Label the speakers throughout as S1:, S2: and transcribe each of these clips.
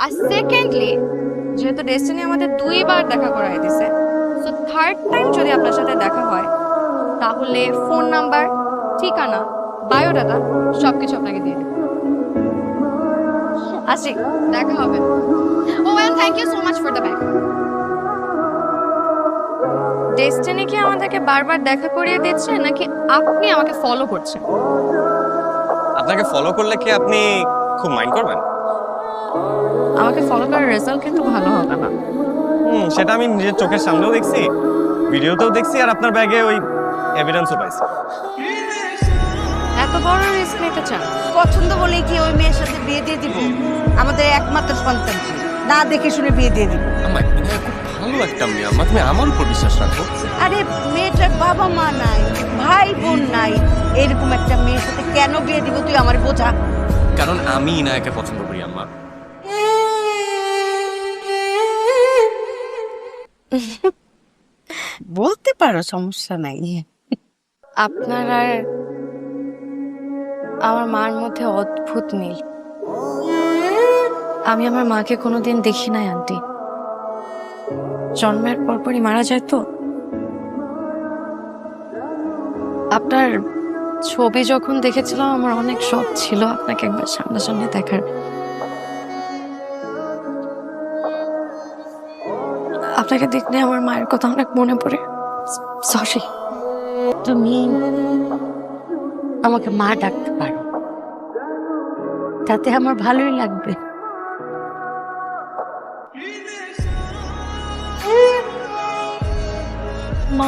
S1: আর secondly যেহেতু destiny আমাদের 2বার দেখা করাই দিছে, সো থার্ড টাইম যদি আপনার সাথে দেখা হয় তাহলে ফোন নাম্বার, ঠিকানা, বায়োডাটা সবকিছু আপনাকে দিয়ে দেব। আসি, দেখা হবে। ও and thank you so much for the bag. Destiny কি আমাদেরকে বারবার দেখা করিয়ে দিচ্ছে নাকি আপনি আমাকে ফলো করছেন?
S2: আপনাকে ফলো করলে কি আপনি খুব মাইন্ড করবেন?
S1: আমাকে ফলো করার রেজাল্ট কিন্তু ভালো হবে না।
S2: সেটা আমি নিজের চোখের সামনেও দেখছি, ভিডিওতেও দেখছি, আর আপনার ব্যাগে ওই এভিডেন্সও পাইছি।
S1: এত বড় রিস্ক নিতে চান?
S3: পছন্দ বলেই কি ওই মেয়ের সাথে বিয়ে দিয়ে দিব? আমাদের একমাত্র সন্তান, না দেখে শুনে বিয়ে দিয়ে দিব।
S2: আম্মা, তুমি খুব ভালো একটা মেয়ে আম্মা, তুমি আমার উপর বিশ্বাস রাখো।
S3: আরে মেয়েটার বাবা মা নাই, ভাই বোন নাই, এরকম একটা মেয়ের সাথে কেন বিয়ে দিব তুই আমার বোঝা।
S2: কারণ আমি ইনায়াকে পছন্দ করি আম্মা।
S3: বলতে পারো, সমস্যা নাই।
S1: আপনার আর আমার মার মধ্যে অদ্ভুত মিল। আমি আমার মাকে কোনোদিন দেখি নাই আন্টি, জন্মের পরপরই মারা যায় তো। আপনার ছবি যখন দেখেছিলাম আমার অনেক শখ ছিল আপনাকে একবার সামনাসামনি দেখার। আপনাকে দেখলে আমার মায়ের কথা অনেক মনে পড়ে। সরি।
S3: তুমি আমাকে মা ডাকতে পারো, তাতে আমার ভালোই লাগবে।
S1: মা,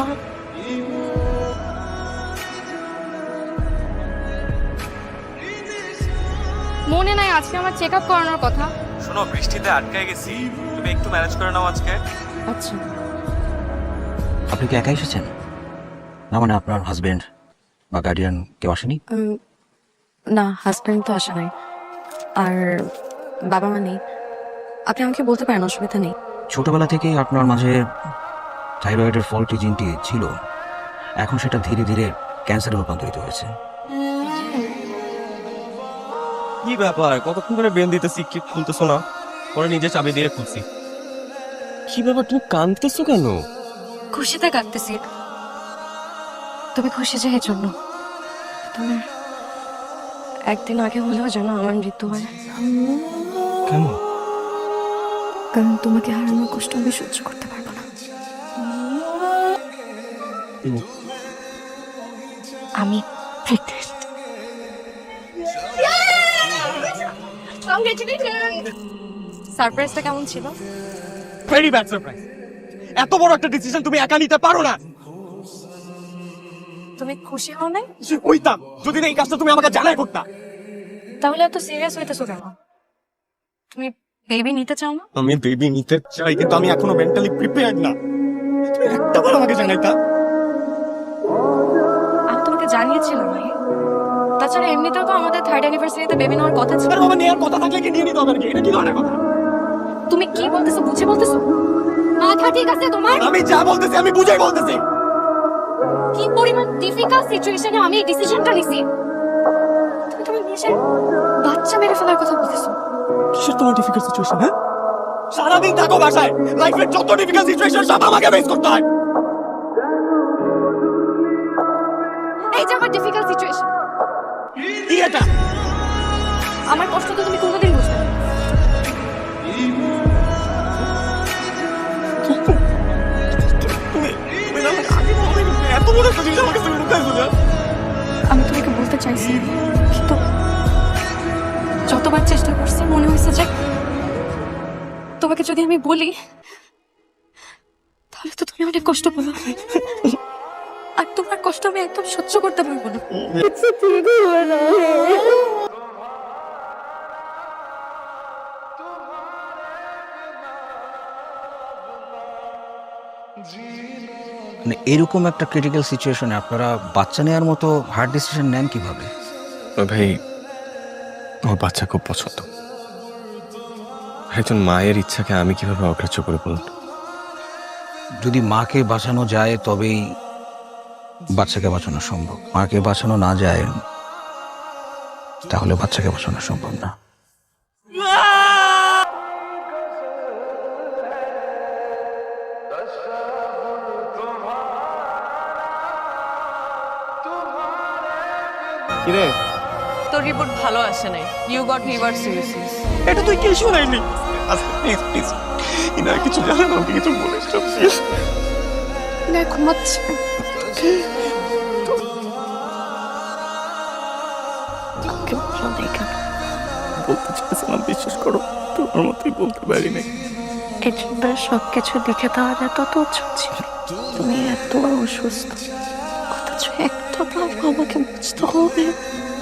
S1: মনে নাই আজকে আমার চেক আপ করানোর কথা?
S2: শোনো, বৃষ্টিতে আটকে গেছি, তুমি একটু ম্যানেজ করে নাও আজকে।
S1: আচ্ছা।
S4: আপনি কি একা এসেছেন? না মানে আপনার হাজবেন্ড বা গার্ডিয়ান কেউ আসেনি?
S1: না, হাজব্যান্ড তো আসে নাই, আর বাবা মা নেই। আপনি আমাকে বলতে পারেন, অসুবিধা নেই।
S4: ছোটবেলা থেকেই আপনার মাঝে থাইরয়েডের ফল্টি জিনটি ছিল, এখন সেটা ধীরে ধীরে ক্যান্সারে রূপান্তরিত হয়েছে।
S2: কি ব্যাপার, কতক্ষণ ধরে বেল দিতেছি, কি খুলতেছো না? পরে নিজে চাবি দিয়ে খুলছি। কি ব্যাপার, তুমি কাঁদতেছো কেন?
S1: খুশিতে কাটতেছি। তুমি খুশি যে এই জন্য। তোমার একদিন আগে হলেও যেন আমার মৃত্যু হয়,
S2: কেন?
S1: কারণ তোমাকে হারানোর কষ্ট আমি সহ্য করতে পারবো না। আমি প্রেগনেন্ট। সারপ্রাইজটা কেমন ছিল?
S2: Very bad surprise. এত বড় একটা ডিসিশন তুমি একা নিতে পারো না।
S1: তুমি খুশি হও নাই?
S2: হইতাম যদি না এই কাজটা তুমি আমাকে জানাই করতা।
S1: তাহলে এত সিরিয়াস হইতেছো কেন? তুমি বেবি নিতে চাও না?
S2: আমি বেবি নিতে চাই, কিন্তু আমি এখনো মেন্টালি প্রিপেয়ার্ড না। তুমি একটা বার আমাকে জানাইতা।
S1: আমি তোমাকে জানিয়েছিলাম ভাই। তাছাড়া এমনিতেও তো আমাদের 3rd অ্যানিভার্সারিতে বেবি নেওয়ার কথা ছিল।
S2: আরে বাবা, নেওয়ার কথা থাকলে কি নিয়ে নিতে হবে? এটা কি ধরনের কথা?
S1: তুমি কি বলতেছো বুঝে বলতেছো? মাথা ঠিক আছে তোমার?
S2: আমি যা বলতেছি আমি বুঝাই বলতেছি।
S1: কি পরিমাণ ডিফিকাল্ট সিচুয়েশনে আমি এই ডিসিশনটা নিছি। তুমি তোমার নিজের বাচ্চা মেরে ফেলার কথা বলতেছো।
S2: কিসের তোমার ডিফিকাল্ট সিচুয়েশন? হ্যাঁ, সারাদিন থাকো বাসায়, লাইফের যত ডিফিকাল্ট সিচুয়েশন সব আমাকে ফেস করতে হয়।
S1: এই যে আমার ডিফিকাল্ট সিচুয়েশন,
S2: কি এটা?
S1: আমার কষ্ট তো তুমি কোনোদিন বুঝবে না।
S2: তুমি তুমি না আমাকে আগে বলো, এত বড় একটা জিনিস আমাকে তুমি লুকাইছো না।
S1: আমি তোমাকে বলতে চাইছি, কিন্তু যতবার চেষ্টা করছি মনে হয়েছে যে তোমাকে যদি আমি বলি তাহলে তো তুমি অনেক কষ্ট পাবে, আর তোমার কষ্ট আমি একদম সহ্য করতে পারবো না।
S4: মানে এরকম একটা ক্রিটিক্যাল সিচুয়েশনে আপনারা বাচ্চা নেওয়ার মতো হার্ড ডিসিশন নেন কিভাবে?
S2: ভাই, আমার বাচ্চা খুব পছন্দ। একজন মায়ের ইচ্ছাকে আমি কিভাবে অগ্রাহ্য করে বলুন?
S4: যদি মাকে বাঁচানো যায় তবেই বাচ্চাকে বাঁচানো সম্ভব। মাকে বাঁচানো না যায় তাহলে বাচ্চাকে বাঁচানো সম্ভব না।
S2: কিরে
S1: তোর রিপোর্ট ভালো আসে নাই, ইউ গট লিভার সিরোসিস।
S2: এটা তুই কি শুনাইলি? আচ্ছা প্লিজ প্লিজ, ইনার কিছু জানে না, আমাকে কিছু বলিস না প্লিজ।
S1: না ঘুমাচ্ছে।
S2: বলতে চাইছিলাম, বিশ্বাস করো তোমার মতোই বলতে পারি নাই।
S5: একবার সবকিছু দেখে দেওয়া এত তো ছিল, তুমি এত অসুস্থ, অথচ একটা ভাব আমাকে বুঝতে হবে।